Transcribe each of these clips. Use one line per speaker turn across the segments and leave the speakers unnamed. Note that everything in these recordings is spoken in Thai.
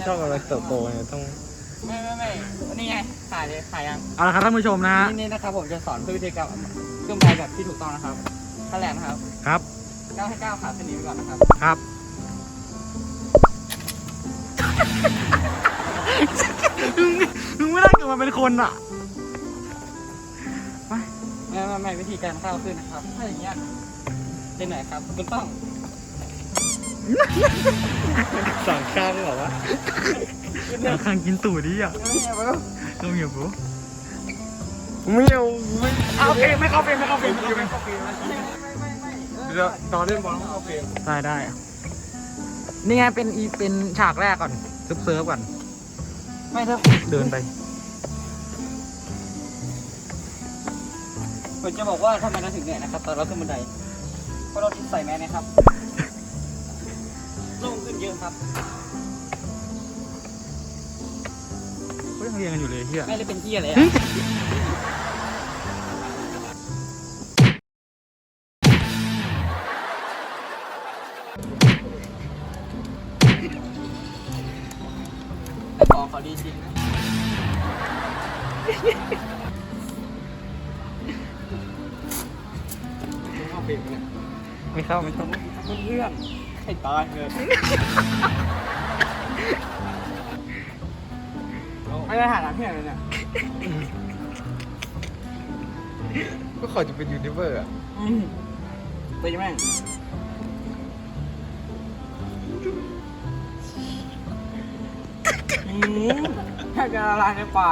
ช่องกำลังเติบโตเนี่ยต้อง
ไม่นี่ไงขายเลยขายยัง
เอาละครับท่านผู้ชมนะฮะ
นี่นะครับผมจะสอนวิธีการเครื่องใบแบบที่ถูกต้องนะครับขั้นแรกนะครับ
ครับ
ก้าวให้ก้าวขาเส้นนี้ไปก่อนนะครับ
ครับมึงไม่ได้เกิดมาเป็นคนอ่ะ
ไม่วิธีการก้าวขึ้นนะครับถ้าอย่างเงี้ยเป็นไหนครับคุณต้อง
สั่งข้างเหรอวะสั่งข้างกินตู่ดิอ่ะต้องเหยียบปุ๊ไม่เอาไม่โอเคไม่เข้าเฟรมไม่เข้าเฟรมไม่เข้าเฟรมเดี๋ยวตอนเล่นบอลต้องเข้าเฟรมได้นี่ไงเป็นฉากแรกก่อนเซิร์ฟก่อน
ไม่ถ้า
เดินไป
ผมจะบอกว่าทำไมเราถึงเหนื่อยนะครับตอนเราขึ้นบันไดเพราะเราใส่แมสนะครับโล่งขึ้นเยอะครับ
เขายังเรียนกันอยู่เลยเฮีย
ไม่ได้เป็นที่อะไรอะของเขาดีจริงนะเข้าเปลี่ยนเนี่ย
ไม่เข้า
เรื่องให้ตายเลยไม่ได้หาทางเที่ยวเลยเนี่ย
ก็ขอจะเป็นยูนิเวอร์อ่ะ
ตีแม่งแค่จะละลายในปาก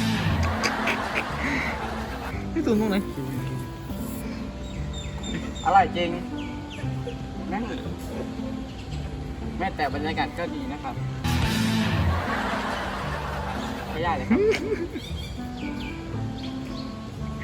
พี่ตูนตรงไหน
อร่อยจริงนั่งแม้แต่บรรยากาศก็ดีนะครับไม่ยากเลยครับ